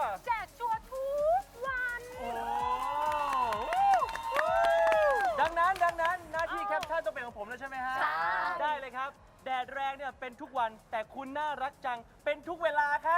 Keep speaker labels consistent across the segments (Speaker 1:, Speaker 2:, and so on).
Speaker 1: แจกชัวร์ทุกวัน
Speaker 2: ดังนั้นหน้าที่แคปชั่นต้องเป็นของผมแล้วใช่ไหมฮะได้เลยครับแดดแรงเนี่ยเป็นทุกวันแต่คุณน่ารักจังเป็นทุกเวลาครับ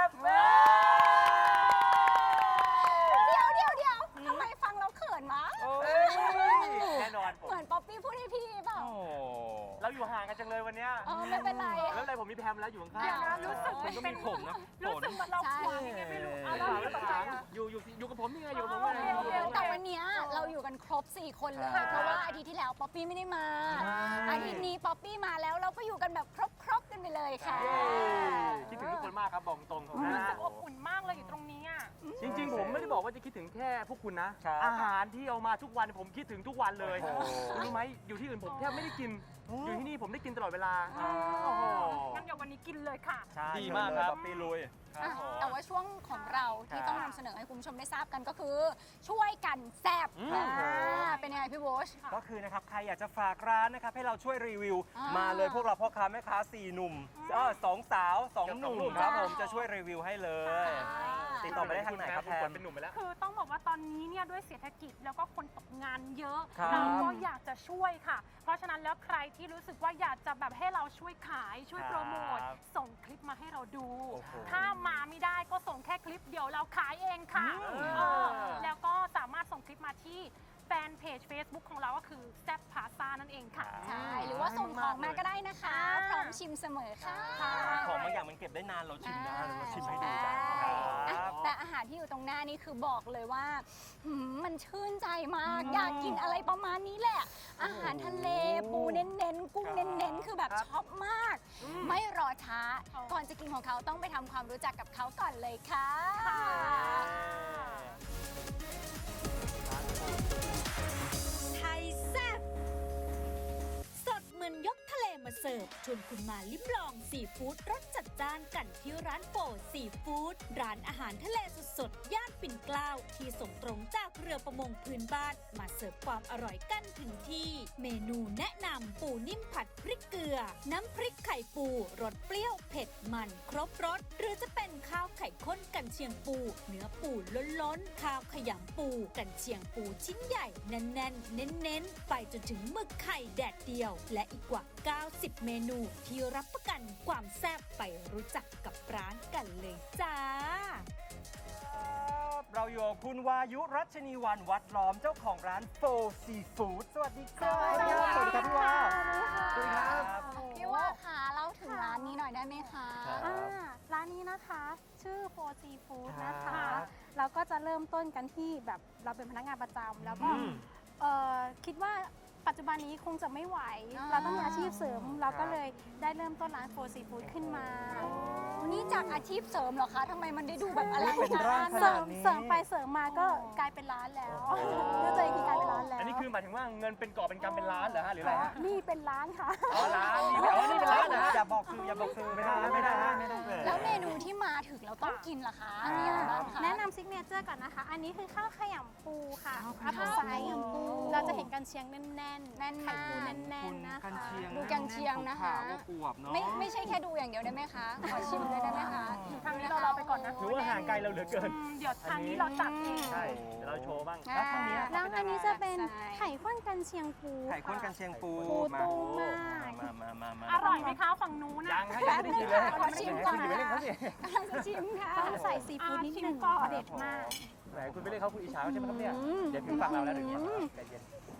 Speaker 3: เดี๋ยวทำไมฟังเราเขินวะ
Speaker 2: แน่นอนผม
Speaker 3: เหมือนป๊อปปี้พูดให้พี่เปล่า
Speaker 2: เราอยู่ห่างกันจังเลยวันเนี้ย
Speaker 3: ไม่เป็นไร
Speaker 2: แล้วอะไรผมมีแพมแล้วอยู่ข้าง
Speaker 1: เดี๋ยวนะ
Speaker 2: ๆ
Speaker 1: รู้สึก
Speaker 2: คุณก็มีผมนะ
Speaker 1: รู้สึกเหมือนเราขวางยังไงไม่รู้เราไม่สนใจอะ
Speaker 2: อยู่กับผมนี่ไงอยู่กับผมไง
Speaker 3: แต่วันเนี้ยเราอยู่กันครบ 4 คนเลย เพราะว่าอาทิตย์ที่แล้วป๊อปปี้ไม่ได้มา อาทิตย์นี้ป๊อปปี้มาแล้วเราก็อยู่กันแบบครบกันไปเลยค่ะ
Speaker 2: คิดถึงทุกคนมากครับบอกตรงผม
Speaker 1: รู้
Speaker 2: นะ
Speaker 1: สึกอบอุ่นมากเลยอยู่ตรงนี้อ่ะ
Speaker 2: จริงๆ ผมไม่ได้บอกว่าจะคิดถึงแค่พวกคุณนะ อาหารที่เอามาทุกวันผมคิดถึงทุกวันเลยคุณรู้ไหมอยู่ที่อื่นผมแทบไม่ได้กิน อยู่ที่นี่ผมได้กินตลอดเวลา
Speaker 1: งั้นเดี๋ยววันนี้กินเลยค่ะ
Speaker 2: ดีมากครับ
Speaker 4: ปีลุย
Speaker 3: แต่ว่าช่วงของเราที่ต้องนำเสนอให้คุณผู้ชมได้ทราบกันก็คือ ช่วยกันแซ่บเป็นยังไงพี่โบช
Speaker 4: ก็คือนะครับใครอยากจะฝากร้านนะครับให้เราช่วยรีวิว
Speaker 3: อ่าม
Speaker 4: มาเลยพวกเราพ่อค้าแม่ค้า4 หนุ่ม2 สาว 2 หนุ่มครับผมจะช่วยรีวิวให้เลย ติดต่อไปได้ทางไหนครับแพม
Speaker 2: เป็นหนุ่มไปแล้ว
Speaker 1: คือต้องบอกว่าตอนนี้เนี่ยด้วยเศรษฐกิจแล้วก็คนตกงานเยอะ
Speaker 4: ครับ
Speaker 1: เราก็อยากจะช่วยค่ะ เพราะฉะนั้นแล้วใครที่รู้สึกว่าอยากจะแบบให้เราช่วยขายช่วยโปรโมทส่งคลิปมาให้เราดู
Speaker 4: โอ้โห
Speaker 1: ถ้ามาไม่ได้ก็ส่งแค่คลิปเดียวเราขายเองค่ะแล้วก็สามารถส่งคลิปมาที่แฟนเพจ Facebook ของเราก็คือแซ่บพาซานั่นเองค่ะ
Speaker 3: ใช่หรือว่าส่งของมาก็ได้นะคะ พร้อมชิมเสมอค่ะ
Speaker 4: ของบางอย่างมันเก็บได้นานเราชิมได้เราชิมให้ดู
Speaker 3: ใช่
Speaker 4: กัน
Speaker 3: อ่ะแต่อาหารที่อยู่ตรงหน้านี่คือบอกเลยว่ามันชื่นใจมาก อยากกินอะไรประมาณนี้แหละ อาหารทะเลปูเน้นๆกุ้งเน้นๆคือแบบชอบมาก ไม่รอช้า ก่อนจะกินของเขาต้องไปทำความรู้จักกับเขาก่อนเลยค่ะ
Speaker 5: ไทยแซ่บสดเหมือนยกทะเลมาเสิร์ฟชวนคุณมาลิ้มลองซีฟู้ดรสจัดจ้านกันที่ร้านโปซีฟู้ดร้านอาหารทะเลสดๆย่านปิ่นเกล้าที่ส่งตรงจากเรือประมงพื้นบ้านมาเสิร์ฟความอร่อยกันถึงที่เมนูแนะนำปูนิ่มผัดพริกเกลือ น้ำพริกไข่ปูรสเปรี้ยวเผ็ดมันครบรสหรือจะเป็นข้าวไข่ข้นกันเชียงปูเนื้อปูล้นๆข้าวขยำปูกันเชียงปูชิ้นใหญ่แน่นๆเน้นๆไปจนถึงหมึกไข่แดดเดียวและอีกกว่า90 เมนูที่รับประกันความแซ่บไปรู้จักกับร้านกันเลยจ้า
Speaker 4: เราอยู่กับคุณวายุรัชนีวันวัดล้อมเจ้าของร้านโฟซีฟู้ดสวัสดีครับ
Speaker 3: สวัสดีครับ
Speaker 4: สวัสดีครับพี่วาสวัสดีครับ
Speaker 3: พี่ว่าค่ะเล่าถึงร้านนี้หน่อยได้ไหมคะ
Speaker 6: ร้านนี้นะคะชื่อโฟซีฟู้ดนะ
Speaker 4: ครั
Speaker 6: คะ
Speaker 4: บ
Speaker 6: เราก็จะเริ่มต้นกันที่แบบเราเป็นพนักงานประจำแล้วก็คิดว่าปัจจุบันนี้คงจะไม่ไหว เราต้องมีอาชีพเสริม เราก็เลยได้เริ่มต้นร้านโฟซีฟู้ดขึ้นมา
Speaker 3: นี่จากอาชีพเสริมเหรอคะทำไมมันได้ดูแบบอะไร
Speaker 4: เป็นร่าง
Speaker 6: เสริมไปเสริมมาก็กลายเป็นร้านแล้วรู้ตัวเองที่กลายเป็นร้านแล้ว
Speaker 2: อันนี้คือหมายถึงว่าเงินเป็นกอบเป็นกำเป็นล้านเหรอฮะหรืออะไรฮะ
Speaker 6: นี่เป็นร้านค่ะ
Speaker 2: อ๋อร้านนี่เป็นร้านนะฮะ
Speaker 4: อย่าบอกซื้ออย่าบอกซื้อไม่ได้ไม่ได้ไม่ได้
Speaker 3: แล้วเมนูที่มาถึงเราต้องกินล่ะคะมีอะไรบ้างคะ
Speaker 6: แนะนำซิกเนเจอร์ก่อนนะคะ อันนี้คือข้าวขยำปูค่ะอัพไซด์เราจะเห็นกันเชียงแน่นๆ
Speaker 3: แน่น
Speaker 6: ไข่
Speaker 3: มาก
Speaker 6: ปูแน่นๆนะคะ
Speaker 3: ดูกันเชียงนะคะ
Speaker 4: อวบเนาะ
Speaker 3: ไม่ใช่แค่ดูอย่างเดียวได้ไหมคะ ขอชิมด้วยได้ไหมคะ
Speaker 1: ทางนี้เราไปก่อนนะ
Speaker 2: ถือว่าห่างไกลเราเหลือเกิน
Speaker 1: เดี๋ยวทางนี้เราจัดเอง
Speaker 2: ใช่เดี๋ยวเราโชว์บ้าง
Speaker 3: อ่า
Speaker 2: แล้วทางนี้
Speaker 6: แล้วอันนี้จะเป็น
Speaker 3: ใช่
Speaker 6: ไข่ข้นกันเชียงปู
Speaker 4: ไข่ข้นกันเชียงปู
Speaker 6: ปูตุ้มมาก
Speaker 4: มา
Speaker 1: อร่อยไหมคะฝั่งนู้น
Speaker 2: ยั
Speaker 1: นะ
Speaker 2: งให้ยังไม่ได้กินเลย
Speaker 3: ขอชิมก่อน
Speaker 2: คุณอย่าไปเล่นเขาสิ
Speaker 3: กำลังจะชิมค่ะ
Speaker 6: ต้องใส่ซีฟู้ดนิดนึง
Speaker 1: ก่อน
Speaker 6: เด็ดมาก
Speaker 2: ไหนคุณไปเล่นเขาคุณอิจฉาใช่ไหมครับเนี่ยเดี๋ยวถึงฝั่งเราแล้วเดี๋ยวนี้ใจเย็น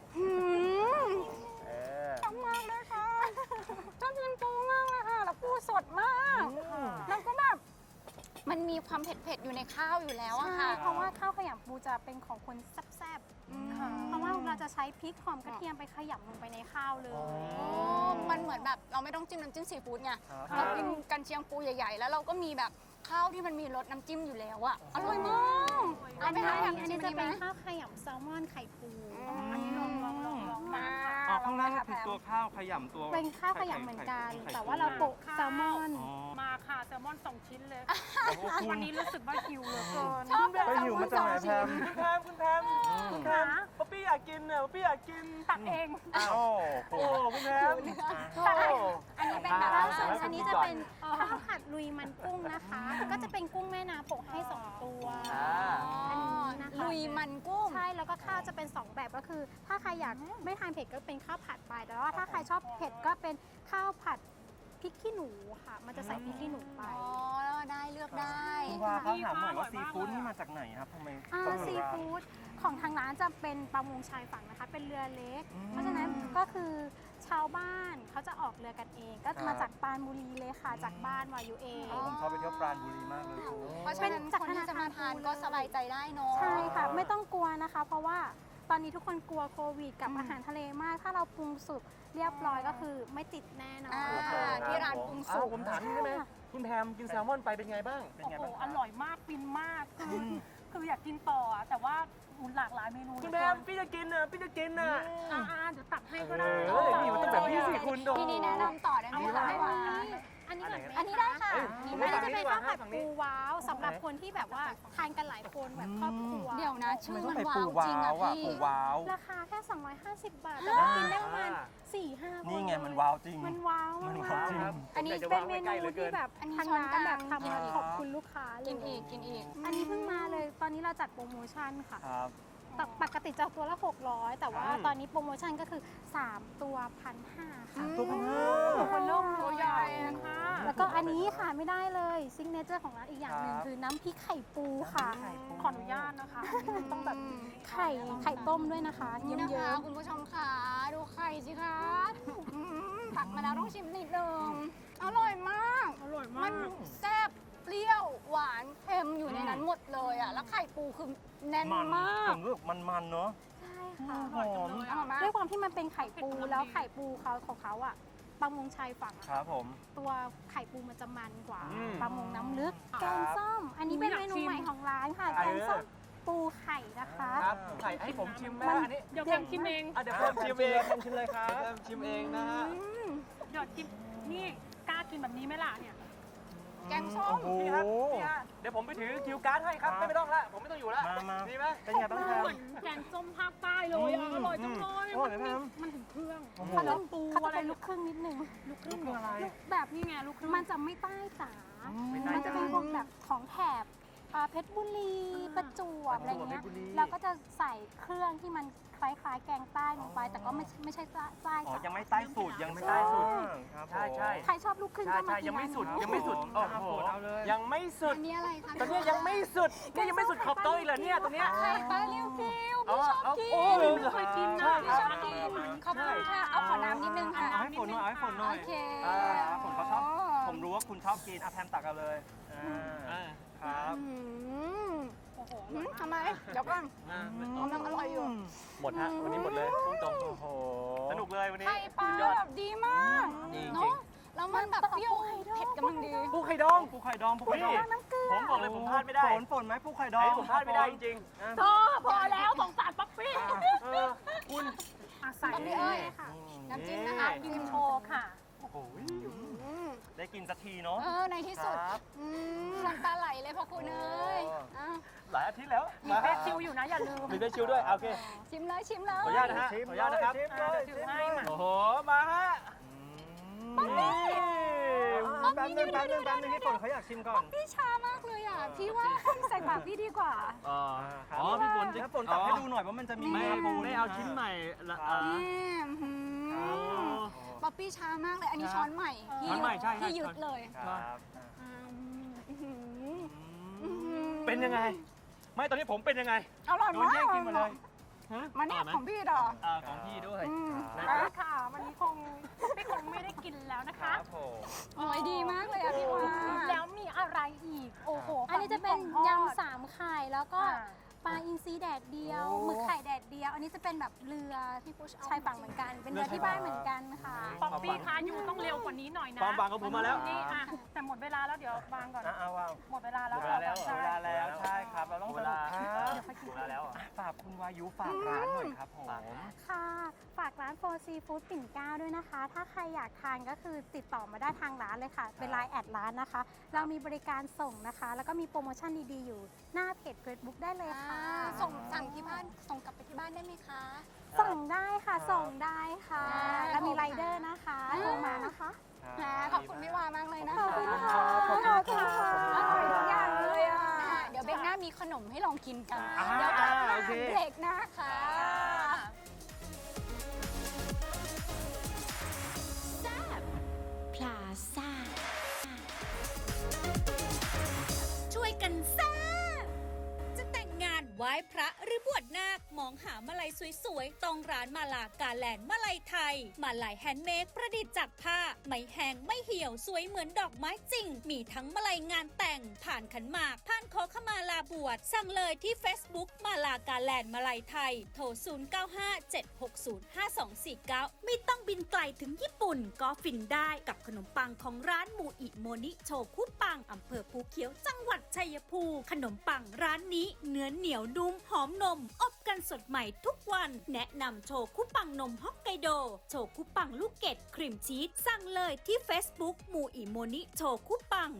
Speaker 2: เออ
Speaker 3: ชอบมากเลยค่ะชอบกินปูมากเลยค่ะ แล้วปูสดมาก แล้วก็แบบมันมีความเผ็ดๆอยู่ในข้าวอยู่แล้วอะ
Speaker 6: ใช่
Speaker 3: ค่ะ
Speaker 6: เพราะว่าข้าวขยำปูจะเป็นของคนแซ่บๆเพราะว่าเราจะใช้พริกหอมกระเทียมไปขยำลงไปในข้าวเลย
Speaker 3: โอ้มันเหมือนแบบเราไม่ต้องจิ้มน้ำจิ้มซีฟู้ดไงเรากินกันเชียงปูใหญ่ๆ แล้วเราก็มีแบบข้าวที่มันมีรสน้ำจิ้มอยู่แล้วอะอร่อยมากเอาไปทำอย่าง
Speaker 6: อัน
Speaker 3: นี้
Speaker 6: นี้
Speaker 3: จะ
Speaker 6: จะ
Speaker 3: เป็
Speaker 6: เป็น นข้าวขยำแซลมอนไข่ปู
Speaker 3: อันนี้ลองมา
Speaker 4: อ๋อข้างล่างก็คือตัวข้าวขยำตัว
Speaker 6: เป็นข้าวขยำเหมือนกัน แต่ว่าเราโปะแซลมอน
Speaker 1: มาค่ะแซลลมอน2 ชิ้นเลย วันนี้รู้สึกว่าหิวเหลือเกิน
Speaker 3: ชอบแบบ
Speaker 4: ไปหิวมาจากไหนแพม
Speaker 2: คุณแพมคุณแพมคุณแพมป๊อปปี้อยากกินน่ะป๊อปปี้อยากกิน
Speaker 1: ตักเอง
Speaker 4: โอ้โห
Speaker 2: โอ้คุณแพม
Speaker 6: อันนี้เป็นแบบ
Speaker 2: อ่า
Speaker 6: ว่าส่วนอันนี้จะเป็นข้าวผัดลุยมันกุ้งนะคะ ก็จะเป็นกุ้งแม่น้ำโปะให้ 2 ตัว อันนี้นะคะ
Speaker 3: ลุยมันกุ้ง
Speaker 6: ใช่ แล้วก็ข้าวจะเป็น 2 แบบก็คือ ถ้าใครอยากไม่ทานเผ็ดก็เป็นข้าวผัดไป แต่ว่าถ้าใครชอบเผ็ดก็เป็นข้าวผัดพริกขี้หนูค่ะ มันจะใส่พริกขี้หนูไป
Speaker 3: อ๋อแล้วได้เลือกได้
Speaker 4: คุณวาเขาถามหน่อยว่าซีฟู้ดนี่มาจากไหนครับทำไมต้อง
Speaker 6: ซี
Speaker 4: ร้าน
Speaker 6: ฟู้ดของทางร้านจะเป็นประมงชายฝั่งนะคะ เป็นเรือเล็ก
Speaker 4: อืม
Speaker 6: เพราะฉะนั้นก็คือชาวบ้านเขาจะออกเรือกันเอง ก็มาจากปรานบุรีเลยค่ะ จากบ้านวายูเอง
Speaker 4: ผมชอบไปเที่ยวปราณบุรีมากเลยคุณ
Speaker 3: เพราะฉะนั้นคนที่จะมาทานก็สบายใจได้เนาะ
Speaker 6: ใช่ค่ะ ไม่ต้องกลัวนะคะ เพราะว่าตอนนี้ทุกคนกลัวโควิดกับอาหารทะเลมาก ถ้าเราปรุงสุกเรียบร้อยก็คือไม่ติดแน่นอน
Speaker 3: ที่ร้านปรุงสุ
Speaker 2: อ้าก วผมถามนี่ได้ไหมคุณแพมกินแซลมอนไปเป็นไงบ้าง
Speaker 4: เป็น
Speaker 1: โอ้
Speaker 4: ไง
Speaker 1: โห
Speaker 4: บ้าง
Speaker 1: อร่อยมากฟินมากคืออยากกินต่ออะแต่ว่าหลากหลายเมนู
Speaker 2: คุณแพมพี่จะกินน่ะพี่จะกินน่ะ
Speaker 1: เดี๋ยวตักให้ก็ได้
Speaker 2: เออนี่มันต้องแบบนี้สิคุณโด
Speaker 3: ที่นี่แนะนำต่อได้ไหมคะว่า
Speaker 6: อันนี้ก่อนไหม
Speaker 3: อันนี้ได้ค่ะ
Speaker 6: อันนี้จะเป็นข้าวผัดปูว้าวสำหรับคนที่แบบว่าทานกันหลายคนแบบครอบครัว
Speaker 3: เดี๋ยวนะ ชื่อ
Speaker 4: ไม่ต้
Speaker 3: มั
Speaker 4: อง
Speaker 3: น
Speaker 4: ไป
Speaker 3: ว้า
Speaker 4: ปู
Speaker 3: วจริง
Speaker 4: ว้า
Speaker 3: อะ
Speaker 4: วอ่ะ
Speaker 3: พี่
Speaker 4: ปูว้าว
Speaker 6: ราคาแค่ 250 บาท แต่ว่ากินได้ประมาณ 4-5 คน
Speaker 4: นี่ไงมันว้าวจริง
Speaker 6: มันว้าว
Speaker 4: มัน
Speaker 6: มาก
Speaker 4: ว้าวจริง
Speaker 3: อันนี้
Speaker 6: เป็นเมนูที่แบบ
Speaker 3: อันนี้
Speaker 6: ทาง
Speaker 3: ช้อน
Speaker 6: ร้าน
Speaker 3: กลาง
Speaker 6: แบบทำมาขอบคุณลูกค้าเลย
Speaker 3: กินอีกกินอีก
Speaker 6: อันนี้เพิ่งมาเลย ตอนนี้เราจัดโปรโมชั่นค่ะ
Speaker 4: ครับ
Speaker 6: ปกติจะตัวละ 600 แต่ว่า
Speaker 4: ครับ
Speaker 6: ตอนนี้โปรโมชั่นก็คือ 3 ตัว 1,500 ค่ะ
Speaker 4: ตัวพันห้า
Speaker 6: คนโล่ง
Speaker 3: ตัวใหญ่นะคะ
Speaker 6: แล้วก็อันนี้ค่ะไม่ได้เลยซิงเนเจอร์ของร้านอีกอย่างหนึ่ง
Speaker 4: ครับ
Speaker 6: คือน้ำพริกไข่ปูค่ะ
Speaker 1: ขออนุญาตนะคะ
Speaker 6: ต้องแบบไข่ต้มด้วยนะคะ
Speaker 3: นี่
Speaker 6: เยิ้
Speaker 3: นะคะ
Speaker 6: ม
Speaker 3: คุณผู้ชมค่ะดูไข่สิคะตักมาแล้วต้องชิมนิดนึงอร่อยมาก
Speaker 1: อร่อย
Speaker 3: มั
Speaker 1: มาน ก
Speaker 3: แซ่บเปรี้ยวหวานเค็มอยู่ในนั้นหมดเลยอ่ะแล้วไข่ปูคือแน่น
Speaker 4: มัน
Speaker 3: มาก
Speaker 4: ผมรู้สึกมันๆเนาะ
Speaker 6: ๆใช่ค่ะ
Speaker 4: หอม
Speaker 3: อร่อยมาก
Speaker 6: ด้วยความที่มันเป็นไข่ปูแล้วไข่ปูเขาของเขาอ่ะประมงชายฝั่งอะ
Speaker 4: ครับผม
Speaker 6: ตัวไข่ปูมันจะมันกว่า
Speaker 2: อืม
Speaker 6: ประมงน้ำลึก
Speaker 4: ครับ
Speaker 6: แกงส้ม อันนี้เป็นเมนูใหม่ของร้านค่ะ
Speaker 2: ไข่
Speaker 6: แกงส้มปูไข่นะคะ
Speaker 2: ครับไข่ให้ผมชิมไหมอันนี้
Speaker 1: เดี๋ยวแพมชิมเอง
Speaker 2: เดี๋ยวผมชิมเองผมชิมเลยครับชิมเองนะฮะ
Speaker 1: เดี๋ยวชิมนี่กล้ากินแบบนี้ไหมล่ะเนี่ย
Speaker 3: แกงส้ม
Speaker 4: โอ้โห
Speaker 2: นี่ครับนี่ฮะเดี๋ยวผมไปถือคิวการ์ดให้ครับ
Speaker 4: ครับ
Speaker 2: ไม่ต้องละผมไม่ต้องอยู่ละ
Speaker 4: มา
Speaker 2: ดีไหม
Speaker 4: เป็นไงบ้างครับ
Speaker 1: เหมือนแกงส้มภาคใต้เลยอะอร่อยจังเลย
Speaker 4: อร่อยไหมแพม
Speaker 1: มันถึงเครื่อง
Speaker 4: โอ้โห
Speaker 6: เขาจะ
Speaker 1: ปู
Speaker 6: เขาจะ
Speaker 1: อะไร
Speaker 6: เป็นลูกครึ่งนิดนึง
Speaker 1: ลูกครึ่ง
Speaker 4: อะไร
Speaker 6: แบบ
Speaker 1: นี่ไงลูกครึ่ง
Speaker 6: มันจะไม่ใต้จ๋า
Speaker 4: ไม่ใต้
Speaker 6: มันจะเป็นพวกแบบของแถบเพชรบุรีประจวบอะไรเงี้ย
Speaker 4: เพชรบุรี
Speaker 6: เราก็จะใส่เครื่องที่มันคล้ายๆแกงใต้ลงไป แต่ก็ไม่ใช่ใต้
Speaker 4: อ๋อ
Speaker 6: จ๋า
Speaker 4: ยังไม่ใต้สูตรยังไม่ใต้สูตรครับผม
Speaker 2: ใช่ใช่
Speaker 6: ใครชอบลูกครึ่ง
Speaker 2: ใช่
Speaker 6: ก็มา
Speaker 2: ใช่
Speaker 6: กิน
Speaker 2: ยังไม่สุด
Speaker 6: ร้านนี้
Speaker 2: ยังไม่สุดโอ้โห
Speaker 4: เอาเลย
Speaker 2: ยังไม่สุด
Speaker 3: อันนี้อะไรคะ
Speaker 2: ตอนนี้ยังไม่สุดนี่ยังไม่สุดขอบโต๊ะอีกเหรอเนี่ยตรงเนี้ย
Speaker 3: ไข่ปลาเรียวฟิว
Speaker 2: เอา
Speaker 3: พี่ชอบ
Speaker 2: เอา
Speaker 3: กิน
Speaker 2: โอ้
Speaker 1: ไม่เคยกินนะ
Speaker 3: พี่ชอบกินขอบคุณค่ะเอาขอน้ำนิดนึงค่ะ
Speaker 4: เอาให้ฝนหน่อยเอาให้ฝนหน่อย
Speaker 3: โอเค
Speaker 4: ผมเขาชอบ ผมรู้ว่าคุณชอบกินอ่ะแพมตักเอาเลยครับ
Speaker 1: โอ้โห
Speaker 3: ทำไมเดี๋ยวก่อนมันอร่อยอยู่
Speaker 2: หมดฮะวันนี้หมดเลยพุ่งตรง
Speaker 4: โอ้โห
Speaker 2: สนุกเลยวันนี้
Speaker 3: ไข่ปลา
Speaker 2: สุดยอด
Speaker 3: แบบดีมาก
Speaker 2: ดีจริง
Speaker 3: เนาะแล้วมันแบบเปรี้ยวเผ็ดกำลังดี
Speaker 2: ปูไข่ดอง
Speaker 4: ปูไข่ดองปูไข่ดอง
Speaker 2: นี่ผมบอกเลยผมพลาดไม่ได้
Speaker 4: ฝนไหมปูไข่ดอง
Speaker 2: ไอ้ผมพลาดไม่ได้จริงๆนะ
Speaker 1: พอแล้วสงสารป๊อปปี้
Speaker 2: คุณ
Speaker 1: อาศัย
Speaker 3: ป๊อปปี้เอ้ย น้ำจิ้มนะคะ
Speaker 1: กินโชว์ค่ะ
Speaker 2: โอ้โห
Speaker 4: ได้กินสักทีเนาะ
Speaker 3: ในที่สุด
Speaker 4: ครับ
Speaker 3: น้ำตาไหลเลยพอคุณเอ้ยอ่ะ
Speaker 2: หลายอาทิตย์แล้ว
Speaker 1: มีเฟซชิลอยู่นะอย่าลืม
Speaker 2: มีเฟซชิลด้วยโอเค
Speaker 3: ชิมเลยชิมเลย
Speaker 2: ขออนุญาตนะฮะ
Speaker 4: ชิม
Speaker 2: ขออนุญาตนะครับ
Speaker 4: ชิมเลย
Speaker 1: ถือให้มา
Speaker 2: โอ้โหมาฮะ
Speaker 4: แป๊บนึงพี่ฝนเขาอยากชิมก่อน
Speaker 3: พี่ช้ามากเลยอ่ะ พี่ว่าใส่ปากพี่ดีกว่า
Speaker 2: อ๋อ
Speaker 4: ครับ
Speaker 2: อ๋อพี่ฝนจะ
Speaker 4: แล้วฝนตักให้ดูหน่อยว่ามันจะมี
Speaker 2: ไม่
Speaker 4: เนื้อปู
Speaker 2: ไม่เอาชิ้นใหม่ละ
Speaker 3: ป๊อปปี้ช้ามากเลย อันนี้ช้อนใหม่
Speaker 2: ช้อนใหม่ใช่
Speaker 3: ที่ยึดเลย
Speaker 4: ครับ
Speaker 2: เป็นยังไง ไม่ตอนนี้ผมเป็นยังไง
Speaker 3: อร่อย
Speaker 2: โดน
Speaker 3: มาก
Speaker 2: แย่งกินหมาเลย
Speaker 3: มาเนี่ยของพี่ดอ
Speaker 2: ของพี่ด้วย
Speaker 1: แล้วค่ะ วันนี้คงไม่ได้กินแล้วนะ
Speaker 4: ครั
Speaker 1: คะ
Speaker 4: บผม
Speaker 3: โอ้ยดีมากเลยอ่ะพี่วา
Speaker 1: แล้วมีอะไรอีก โอ้โห
Speaker 6: อันนี้จะเป็นยำ3ไข่แล้วก็
Speaker 1: อ่า
Speaker 6: ปลาอินทรีแดดเดียว
Speaker 4: โอ้
Speaker 6: หมึกไข่แดดเดียว อันนี้จะเป็นแบบเรือชายฝั่งเหมือนกัน เป็นเรือที่บ้านเหมือนกันค่ะ
Speaker 1: ป๊อปปี้คะอยู่ต้องเร็วกว่านี้หน่อยนะ
Speaker 2: ความหวังของผมมาแล้ว
Speaker 1: นี่อ่ะแต่หมดเวลาแล้วเดี๋ยววางก่อน
Speaker 4: เอาว้าว
Speaker 1: หมดเวลาแล้ว
Speaker 2: หมดเวลาแล้ว
Speaker 1: ใช่
Speaker 4: เวลาแล้วใช่คครับ เราต้องสนุกครับ
Speaker 2: ถูกแล้วอ่ะ
Speaker 4: ฝากคุณวายุฝากร้านหน่อยครับผม
Speaker 6: ค่ะ ฝากร้านโฟซีฟู้ดปิ่นเกล้าด้วยนะคะ ถ้าใครอยากทานก็คือติดต่อมาได้ทางร้านเลยค่ะ เป็นไลน์แอดร้านนะคะ เรามีบริการส่งนะคะ แล้วก็มีโปรโมชั่นดีๆอยู่หน้าเพจ Facebook ได้เลยค่ะ
Speaker 3: สั่งที่บ้านส่งกลับไปที่บ้านได้ไหมคะ
Speaker 6: ส่งได้ค่ะ ส่งได้ค่ะ แล้วมีไรเดอร์นะคะโทรมานะคะ
Speaker 3: ขอบคุณพี่วามากเลยนะ
Speaker 6: ขอบ
Speaker 3: คะ
Speaker 6: คุณค่ะ
Speaker 3: ขอบคุณค่ะ
Speaker 6: อร่อยทุกอย่างเลยอ่ะ
Speaker 3: เดี๋ยวเบรกหน้ามีขนมให้ลองกินกัน
Speaker 4: อ่า
Speaker 3: เดี๋ยวกลับมา
Speaker 4: โอเค
Speaker 3: เบรกหน้าค่ะ
Speaker 5: พลาซ่า ช่วยกันแซ่บจะแต่งงานไหว้พระหรือบวชนาคมองหามาลัยสวยๆต้องร้านมาลากาแลนด์มาลัยไทย มาลัยแฮนด์เมดประดิษฐ์จากผ้า ไม่แห้งไม่เหี่ยวสวยเหมือนดอกไม้จริง มีทั้งมาลัยงานแต่ง ผ่านขันหมาก ผ่านขอขมาลาบวชสั่งเลยที่ Facebook มาลากาแลนด์มาลัยไทย โทร 0957605249 ไม่ต้องบินไกลถึงญี่ปุ่น ก็ฟินได้กับขนมปังของร้านมูอิโมนิโชคุปังอำเภอภูเขียวจังหวัดชัยภูมิขนมปังร้านนี้เนื้อเหนียวนุ่มหอมนม อบกันสดใหม่ทุกวัน แนะนำโชคุปังนมฮอกไกโด โชคุปังลูกเกดครีมชีสสั่งเลยที่ Facebook มูอิโมนิโชคุปัง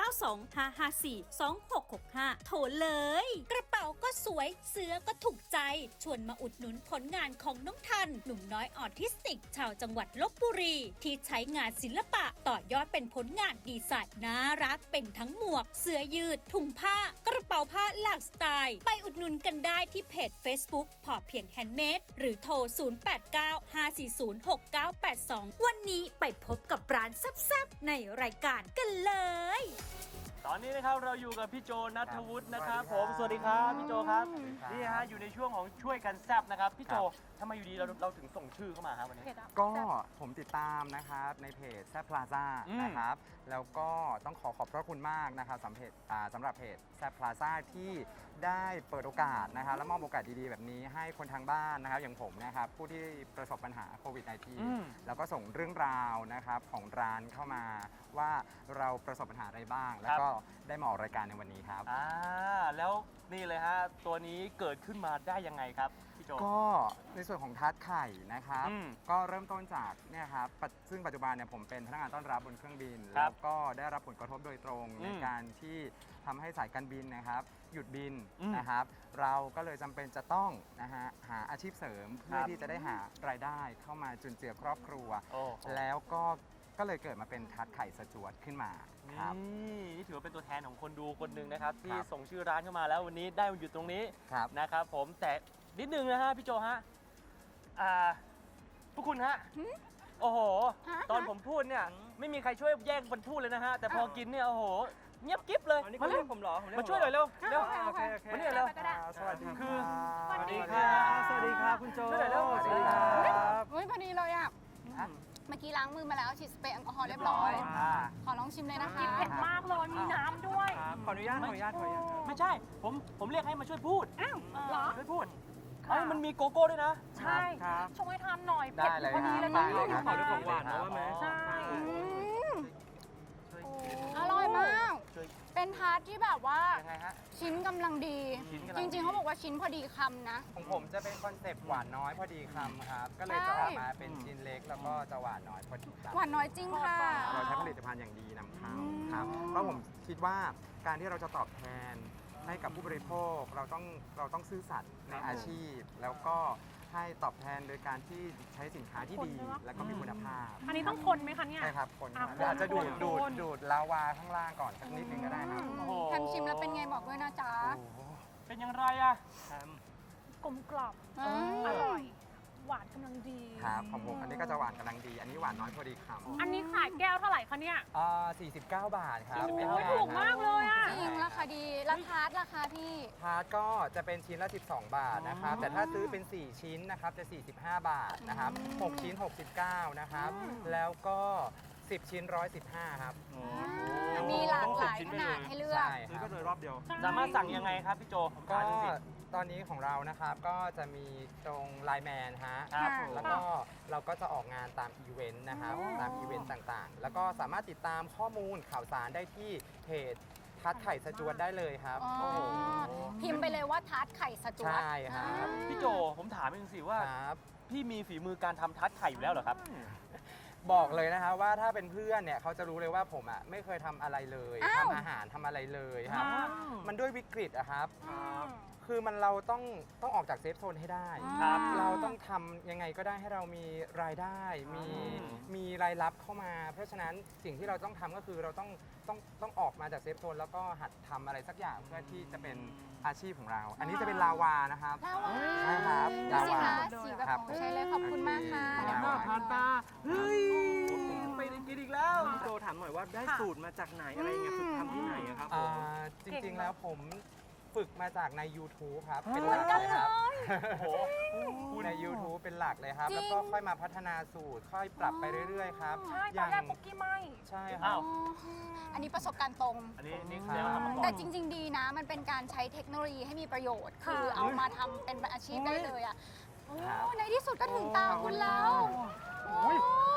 Speaker 5: 0925542665 โทรเลย กระเป๋าก็สวยเสื้อก็ถูกใจ ชวนมาอุดหนุนผลงานของน้องทัน หนุ่มน้อยออทิสติก ชาวจังหวัดลบบุรี ที่ใช้งานศิลปะต่อยอดเป็นผลงานดีไซน์น่ารักเป็นทั้งหมวก เสื้อยืด ถุงผ้า กระเป๋าผ้าหลากสไตล์ ไปอุดหนุนกันได้ที่เพจ Facebook พอเพียงแฮนด์เมดหรือโทร 0895406982 วันนี้ไปพบกับร้านแซ่บๆในรายการกันเลย
Speaker 2: ตอนนี้นะครับเราอยู่กับพี่โจนัทวุฒินะครับผมสวัสดีครับพี่โจครับ
Speaker 4: สวัสดีครับ
Speaker 2: นี่ฮะอยู่ในช่วงของช่วยกันแซบนะครับพี่โจทำไมอยู่ดีเราถึงส่งชื่อเข้ามาครับวันนี้
Speaker 1: เพจอะ
Speaker 7: ก็ผมติดตามนะครับในเพจแซบพลาซ่า
Speaker 2: อืม
Speaker 7: นะครับแล้วก็ต้องขอบพระคุณมากนะครับสำหรับเพจแซบพลาซ่าที่ได้เปิดโอกาสนะครับและมอบโอกาสดีๆแบบนี้ให้คนทางบ้านนะครับอย่างผมนะครับผู้ที่ประสบปัญหาโควิด -19 แล้วก็ส่งเรื่องราวนะครับของร้านเข้ามาว่าเราประสบปัญหาอะไรบ้าง แล้วก็ได้มาออกรายการในวันนี้ครับ
Speaker 2: แล้วนี่เลยฮะตัวนี้เกิดขึ้นมาได้ยังไงครับพี่โจ
Speaker 7: ก็ในส่วนของทาร์ตไข่นะครับ
Speaker 2: อืม
Speaker 7: ก็เริ่มต้นจากเนี่ยครับซึ่งปัจจุบันเนี่ยผมเป็นพนักงานต้อนรับบนเครื่องบิน
Speaker 2: ครั
Speaker 7: แล้
Speaker 2: บ
Speaker 7: วก็ได้รับผลกระทบโดยตรง
Speaker 2: อืม
Speaker 7: ในการที่ทำให้สายการบินนะครับ หยุดบิน
Speaker 2: อืม
Speaker 7: นะครับ เราก็เลยจำเป็นจะต้องนะฮะหาอาชีพเสริมเพื่อ
Speaker 2: ครับ
Speaker 7: ที่จะได้หารายได้เข้ามาจุนเจือครอบครัว
Speaker 2: โอ้โห
Speaker 7: แล้วก็เลยเกิดมาเป็นทาร์ตไข่สจวตขึ้นมาครับ
Speaker 2: นี่ถือว่าเป็นตัวแทนของคนดูคนหนึ่งนะครับที่
Speaker 7: ครับ
Speaker 2: ส่งชื่อร้านเข้ามาแล้ววันนี้ได้มาอยู่ตรงนี้
Speaker 7: ครับ
Speaker 2: นะครับผมแต่นิดนึงนะฮะพี่โจฮะพวกคุณฮะโอ้โห ตอนผมพูดเนี่ยไม่มีใครช่วยแย่งคนพูดเลยนะฮะแต่พอกินเนี่ยโอ้โหเงียบกิ๊บเลย
Speaker 4: อันนี้
Speaker 2: มา
Speaker 4: เขา
Speaker 2: เร็
Speaker 4: เรี
Speaker 2: วย
Speaker 4: กผมเหรอผมเรียก
Speaker 2: มาช่วยหน่อยเร็วเร็ว
Speaker 4: โอเคโอเค
Speaker 2: มานี่หน่อยเร็ว
Speaker 7: สวัสดี
Speaker 2: คือ
Speaker 7: รับ
Speaker 2: สวัสดีครับ
Speaker 4: สวัสดีครับคุณโจ
Speaker 2: ช่วยหน่อยเร็ว
Speaker 7: สวัสดีครับ
Speaker 3: เฮ้ยพอดีเลยอ่ะ
Speaker 7: ฮะ
Speaker 3: เมื่อกี้ล้างมือมาแล้วฉีดสเปรย์แอลกอฮอล์เรียบร้อย ขอลองชิมเลยนะคะ
Speaker 1: เผ็ดมากเลยมีน้ำด้วย
Speaker 4: ครับขออนุญาต
Speaker 2: ไม่ใช่ผมเรียกให้มาช่วยพูด
Speaker 1: เหรอ
Speaker 2: ช่วยพูดเอ้ยมันมีโกโก้ด้วยนะ
Speaker 1: ใช่
Speaker 4: ครับ
Speaker 1: ช่วยทานหน่อย
Speaker 7: ได้
Speaker 1: เผ็ด
Speaker 7: เลย
Speaker 1: พอดีเลย
Speaker 7: ครั
Speaker 1: นะ
Speaker 7: บได้เลยครับ
Speaker 4: ขอด้วยของหวานนะว่าไหม
Speaker 1: ใช่
Speaker 3: อร่อยมาก
Speaker 2: ช่วย
Speaker 3: เป็นทาร์ตที่แบบว่า
Speaker 2: ยังไงฮะ
Speaker 3: ชิ้นกำลังดี
Speaker 2: ชิ้นกำลัง
Speaker 3: จ
Speaker 2: ดี
Speaker 3: ริงๆเขาบอกว่าชิ้นพอดีคำนะ
Speaker 7: ของผมจะเป็นคอนเซปต์หวานน้อยพอดีคำครับ ก็เลย
Speaker 3: ใช่
Speaker 7: จะออกมาเป็นชิ้นเล็กแล้วก็จะหวานน้อยพอดีคำ
Speaker 3: หวานน้อยจริงค่ะ
Speaker 7: เราใช้ผลิตภัณฑ์อย่างดีนำเข้า
Speaker 3: อืม
Speaker 7: ครับเพราะผมคิดว่าการที่เราจะตอบแทนให้กับผู้บริโภคเราต้องซื่อสัตย์ในอาชีพ แล้วก็ให้ตอบแทนโดยการที่ใช้สินค้าที่ดี และก็มีคุณภาพ
Speaker 1: อันนี้ต้องคนไหมคะเนี่ย
Speaker 7: ใช่ครับคน
Speaker 1: อ่ะ
Speaker 7: อาจจะดูด
Speaker 1: คน
Speaker 7: ดูดลาวาข้างล่างก่อนสักนิดนึงก็ได้ครับ
Speaker 2: โอ้โห
Speaker 3: ทำชิมแล้วเป็นไงบอกด้วยนะจ๊ะ
Speaker 2: เป็นอย่างไรอะ
Speaker 1: กลมกล่อม
Speaker 3: อืม
Speaker 1: อร่อย หวานกำลังดี
Speaker 7: ครับของผมอันนี้ก็จะหวานกำลังดี อันนี้หวานน้อยพอดีคำ
Speaker 1: อันนี้ขายแก้วเท่าไหร่คะเนี่ย
Speaker 7: 49 บาทครับ
Speaker 2: 49
Speaker 1: โอ้ยถูกมากเลยอ่ะ
Speaker 3: จริงราคาดีแล้วทาร์ตราคาพี่
Speaker 7: ทาร์ตก็จะเป็นชิ้นละ 12 บาทนะครับ แต่ถ้าซื้อเป็น 4 ชิ้นนะครับจะ 45 บาทนะครับ 6 ชิ้น 69 นะครับ แล้วก็ 10 ชิ้น 115 ครับ
Speaker 3: มีหลากหลายขนาดให้เลือก
Speaker 7: ใช่ค
Speaker 4: ซื้อ
Speaker 7: รั
Speaker 4: ก็
Speaker 7: บ
Speaker 4: เลยรอบเดียว
Speaker 2: สามารถสั่งยังไงครับพี่โจผม
Speaker 7: ก็
Speaker 2: ถามหน่อยสิ
Speaker 7: ตอนนี้ของเรานะครับก็จะมีตรงไลน์แมนฮะ
Speaker 2: ครับ
Speaker 3: ค่ะ
Speaker 7: แล้วก็เราก็จะออกงานตามอีเวนต์นะครับ ตามอีเวนต์ต่างๆ แล้วก็สามารถติดตามข้อมูลข่าวสารได้ที่เพจทัดไข่สจวดได้เลยครับ
Speaker 3: อ๋อพิมพ์ไปเลยว่าทาร์ตไข่สจวด
Speaker 7: ใช่ครับ
Speaker 2: พี่โจผมถามจริงสิว่า
Speaker 7: ครับ
Speaker 2: พี่มีฝีมือการทำทัดไข่อยู่แล้วเหรอครับ
Speaker 7: บอกเลยนะคะว่าถ้าเป็นเพื่อนเนี่ยเขาจะรู้เลยว่าผมอ่ะไม่เคยทำอะไรเลย
Speaker 3: อ้าว
Speaker 7: ทำอาหารทำอะไรเลยครับ
Speaker 2: ครับ
Speaker 7: มันด้วยวิกฤตอะครับ
Speaker 2: ครับ
Speaker 7: คือเราต้องออกจากเซฟโซนให้ได้
Speaker 2: ครับ
Speaker 7: เราต้องทำยังไงก็ได้ให้เรามีรายได้ มีรายรับเข้ามา เพราะฉะนั้นสิ่งที่เราต้องทำก็คือเราต้องออกมาจากเซฟโซนแล้วก็หัดทำอะไรสักอย่างเพื่อที่จะเป็นอาชีพของเรา อันนี้จะเป็นลาวานะครับ
Speaker 3: ลาวา
Speaker 7: ใช่ครับ
Speaker 3: ดูสิ
Speaker 7: ลาวา
Speaker 3: คะสีแบบ
Speaker 7: ครับ
Speaker 3: ของใช้เลยขอบคุณมากค่ะ
Speaker 7: ผ่านหน้าผ่านตา
Speaker 2: เฮ้ยไปได้กินอีกแล้ว
Speaker 4: พี่โจถามหน่อยว่าได้สูตรมาจากไหนอะไรยังไงฝึกทำที่ไหนอะครับผม
Speaker 7: จริงๆแล้วผมฝึกมาจากใน YouTube ครับ เป็น
Speaker 3: เห
Speaker 7: ห
Speaker 3: มื
Speaker 7: ลั
Speaker 3: อน
Speaker 7: ก
Speaker 3: กัน
Speaker 7: เลย
Speaker 3: เล
Speaker 7: ครับ
Speaker 3: ย
Speaker 7: ใน YouTube เป็นหลักเลยครับ
Speaker 3: จริง
Speaker 7: แล้วก็ค่อยมาพัฒนาสูตร ค่อยปรับไปเรื่อยๆครับ
Speaker 1: ใช่ตอนแรกปุกกี้ไม่
Speaker 7: ใช่ค
Speaker 2: อ้า
Speaker 7: รั
Speaker 2: ว
Speaker 7: บ
Speaker 3: อันนี้ประสบการณ์ตรง
Speaker 2: อันนี้นี่แสดงว่าทำมาก่อน
Speaker 3: แต่จริง ๆ ดีนะ มันเป็นการใช้เทคโนโลยีให้มีประโยชน์ คือเอามาทำเป็นอาชีพได้เลยอ่ะโอ้
Speaker 7: ครับ
Speaker 3: ในที่สุดก็ถึงตาคุณแล้วโอ้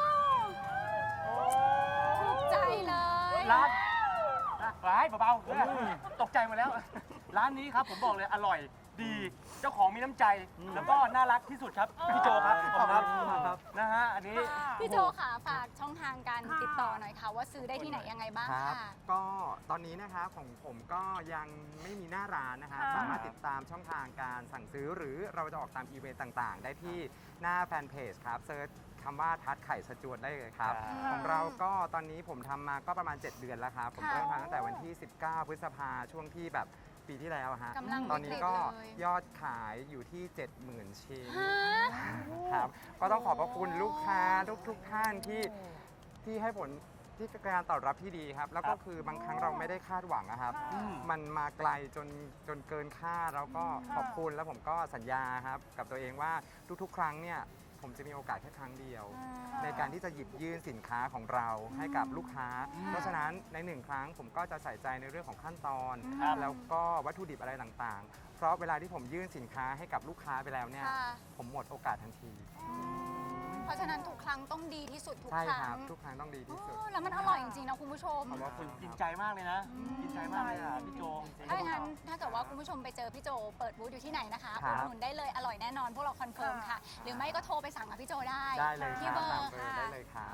Speaker 3: ถูกใจเลย
Speaker 2: ร้านเบาๆตกใจหมาแล้ว ร้านนี้ครับผมบอกเลยอร่อยดี เจ้าของมีน้ำใจ แล้วก็น่ารักที่สุดครับ พี่โจครับขอบคุณครับนะฮะอันนี้
Speaker 3: พี่โจค่ะฝากช่องทางการติดต่อหน่อยค่ะ ว่าซื้อได้ที่ไหนยังไงบ้าง
Speaker 7: ครับ
Speaker 3: ค่ะ
Speaker 7: ก็ตอนนี้นะคะของผมก็ยังไม่มีหน้าร้านนะคะ
Speaker 1: ค่ะ
Speaker 7: สามารถติดตามช่องทางการสั่งซื้อ หรือเราจะออกตามอีเวนต์ต่างๆ ได้ที่หน้าแฟนเพจครับเซิร์ชคำว่าทัดไข่สจวดได้เลยครับ ของเราก็ตอนนี้ผมทำมาก็ประมาณ 7 เดือนแล้วครับ ผม
Speaker 3: ค่ะ
Speaker 7: เริ่มทำตั้งแต่วันที่ 19 พฤษภาช่วงที่แบบปีที่แล้วฮะ
Speaker 3: กำลัง
Speaker 7: ตอนนี้ก็
Speaker 3: วิกฤตเลย
Speaker 7: ยอดขายอยู่ที่ 70,000 ชิ้น
Speaker 3: ฮะ
Speaker 7: ครับก็ต้องขอบพระคุณลูกค้าทุกท่านที่ให้ผลที่การตอบรับที่ดีครับ แล้วก็คือบางครั้งเราไม่ได้คาดหวังนะครับ มันมาไกลจนเกินคาดแล้วก็ขอบคุณแล้วผมก็สัญญาครับกับตัวเองว่าทุกๆ ครั้งเนี่ยผมจะมีโอกาสแค่ครั้งเดียว ในการที่จะหยิบยื่นสินค้าของเราให้กับลูกค้า เพราะฉะนั้นในหนึ่งครั้งผมก็จะใส่ใจในเรื่องของขั้นตอน
Speaker 2: ครับ
Speaker 7: แล้วก็วัตถุดิบอะไรต่างๆ เพราะเวลาที่ผมยื่นสินค้าให้กับลูกค้าไปแล้วเนี่ย
Speaker 3: ค่ะ
Speaker 7: ผมหมดโอกาสทันที
Speaker 3: เพราะฉะนั้นทุกครั้งต้องดีที่สุดทุก
Speaker 7: ใช่
Speaker 3: ครั้
Speaker 7: ครับ
Speaker 3: ง
Speaker 7: ทุกครั้งต้องดีที่สุด
Speaker 3: โอ้แล้วมันอร่อยจริงๆนะคุณผู้ชม
Speaker 7: ขอบคุณ
Speaker 2: กินใจมากเลยนะกินใจมากเลยอ่ะพี่โจ
Speaker 3: ถ้าอย่างนั้นถ้าเกิดว่าคุณผู้ชมไปเจอพี่โจเปิดบูธอยู่ที่ไหนนะคะ
Speaker 7: ครั
Speaker 3: อุ
Speaker 7: บ
Speaker 3: ดหนุนได้เลยอร่อยแน่นอนพวกเราคอนเฟิร์มค่ะ หรือไม่ก็โทรไปสั่งกับพี่โจได้
Speaker 7: ได้เลยค
Speaker 3: ที่
Speaker 7: รับ
Speaker 3: เบอ
Speaker 7: ตาม
Speaker 3: ร์
Speaker 7: เบอร์
Speaker 3: ค่ะ
Speaker 7: ได้เลยครับ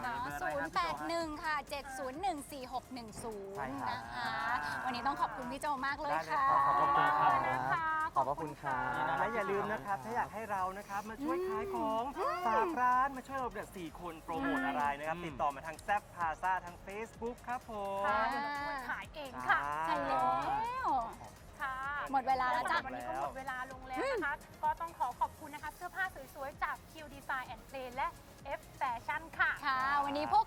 Speaker 3: 081 ค่ะ 7014610
Speaker 7: ใช่ครับ
Speaker 3: นะคะ วันนี้ต้องขอบคุณพี่โจมากเลย
Speaker 7: ได้เลย
Speaker 3: ค่ะ
Speaker 7: ครับขอบคุณครับ
Speaker 1: นะคะ
Speaker 7: ขอบพระคุณครับ
Speaker 4: และอย่าลืมนะครับ ถ้าอยากให้เรานะครับมาช่วยขายของฝากร้านมาช่วยเราเนี่ย4 คนโปรโมทอะไรนะครับ ติดต่อมาทางแซฟพาซาทาง Facebook ครับผม
Speaker 1: ค่ะเดี๋ยวเราช่วยขายเองค่ะ
Speaker 3: ใช่แล้ว
Speaker 1: ค่ะ
Speaker 3: หมดเวลาแล้วจ้ะ
Speaker 1: วันนี้ก็หมดเวลาลงแล้วนะคะ ก็ต้องขอบคุณนะคะ เสื้อผ้าสวยๆ จาก Q Design and Play และ F Fashion ค่ะ
Speaker 3: ค่ะ วันนี้พวก